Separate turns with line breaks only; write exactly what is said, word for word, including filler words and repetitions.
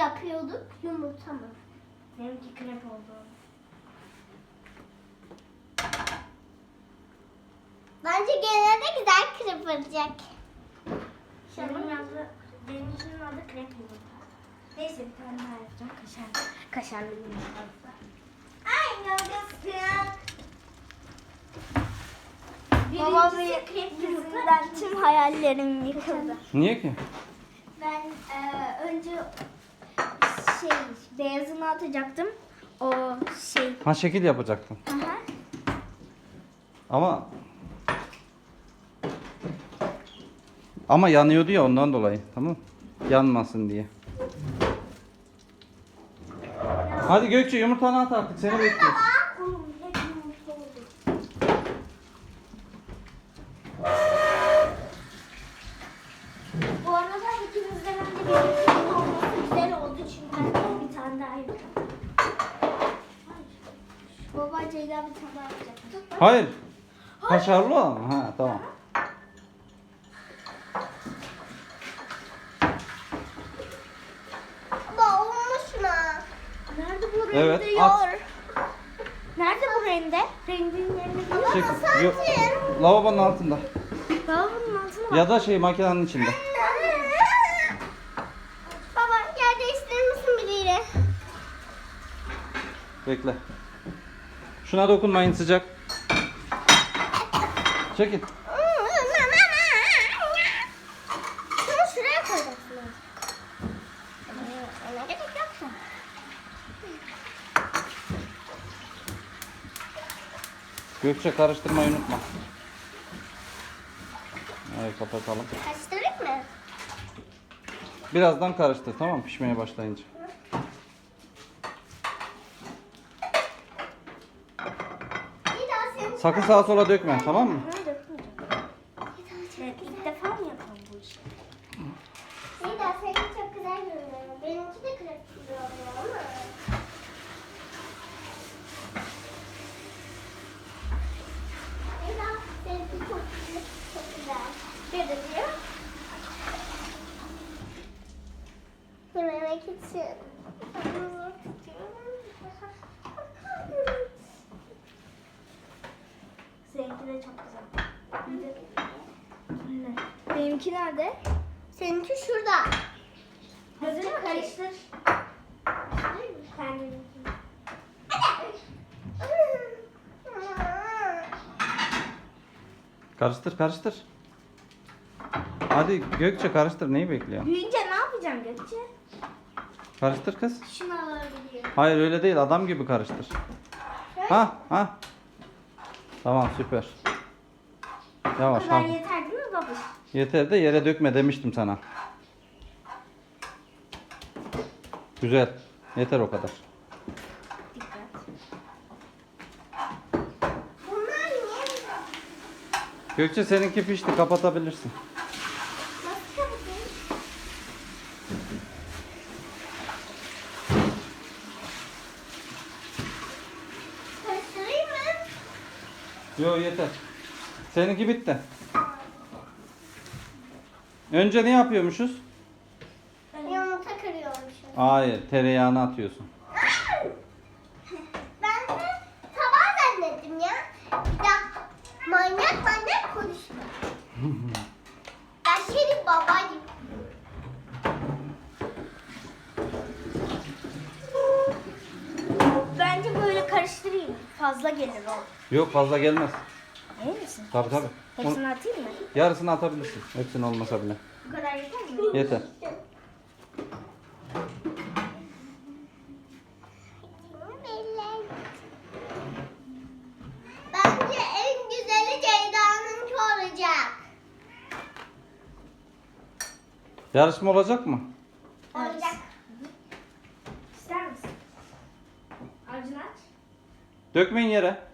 yapıyorduk? Yumurta mı?
Benimki krep oldu.
Bence gene de güzel krep olacak.
Benim adı, benimkinin adı krep yumurta. Neyse bir tane daha yapacağım. Kaşar, kaşarlı yumurta.
Ay yavrusu.
Babam
yüzünden tüm hayallerim yıkıldı.
Niye ki?
Ben e, önce şey beyazını atacaktım. O şey.
Ha, şekil yapacaktın.
Aha.
Ama ama yanıyordu ya, ondan dolayı. Tamam. Yanmasın diye. Hadi Gökçe, yumurtanı at artık. Seni bekliyoruz.
Oğlum hep yumurta oldu. Bu arada ikimizden önce bir yumurta olması güzel oldu çünkü ben bir tane daha yapacağım. Baba Ceyda bir tane daha yapacak.
Hayır. Kaşarlı o mu? Ha, tamam.
Baba olmuş mu?
Nerede bu rende
Evet,
ya?
at.
Nerede bu rende? Rendin yerine
Baba
Çek.
nasıl
Yo-
atayım?
Lavabonun altında.
Lavabonun altına bak.
Ya da şey, makinenin içinde.
Baba yer değiştirir misin biriyle?
Bekle. Şuna dokunmayın, sıcak. Çekin.
Şunu şuraya koyacaksın. Ona gerek yok.
Gökçe, karıştırmayı unutma. Evet, kapatalım.
Karıştırayım mı?
Birazdan karıştır, tamam mı? Pişmeye başlayınca.
İyi daha senin
Sakın sağa sola dökme, tamam mı?
Evet, ilk defa mı yapalım bu işi?
İyi daha senin çok güzel görünüyor. Benimki de krep gibi oluyor ama. İyi daha seninki çok güzel. Çok güzel. Bir de diyor. Yememek için.
Seninki de çok güzel. Bir de- Öyle. Benimki nerede?
Seninki şurada.
Gözünü karıştır. Kendini.
Karıştır, karıştır. Hadi Gökçe, karıştır. Neyi bekliyorsun?
Büyüyünce ne yapacağım Gökçe?
Karıştır kız.
Şunu alabiliyor.
Hayır, öyle değil. Adam gibi karıştır. Ha, ha. Tamam, süper. Yavaş,
Bu kadar
ha.
yeter değil mi babuş?
Yeter de yere dökme demiştim sana. Güzel. Yeter o kadar.
Dikkat.
Bunlar niye?
Gökçe, seninki pişti. Kapatabilirsin.
Nasıl kapatayım? Karıştırayım mı?
Yo, yeter. Seninki bitti. Önce ne yapıyormuşuz?
Yumurta kırıyormuşum.
Hayır, tereyağını atıyorsun.
Ben de tabağı zannettim ya. Ya manyak manyak konuşma. Ben senin babayım.
Bence böyle karıştırayım. Fazla gelir o.
Yok, fazla gelmez.
Emin misin?
Tabii tabii. Onu-
Hepsini atayım mı?
yarısını atabilirsin. Hepsini olmasa bile.
Bu kadar yeter mi?
Yeter.
Bence en güzeli Ceyda'nınki olacak.
Yarışma olacak mı?
Olacak.
İster misin? Acını aç.
Dökmeyin yere.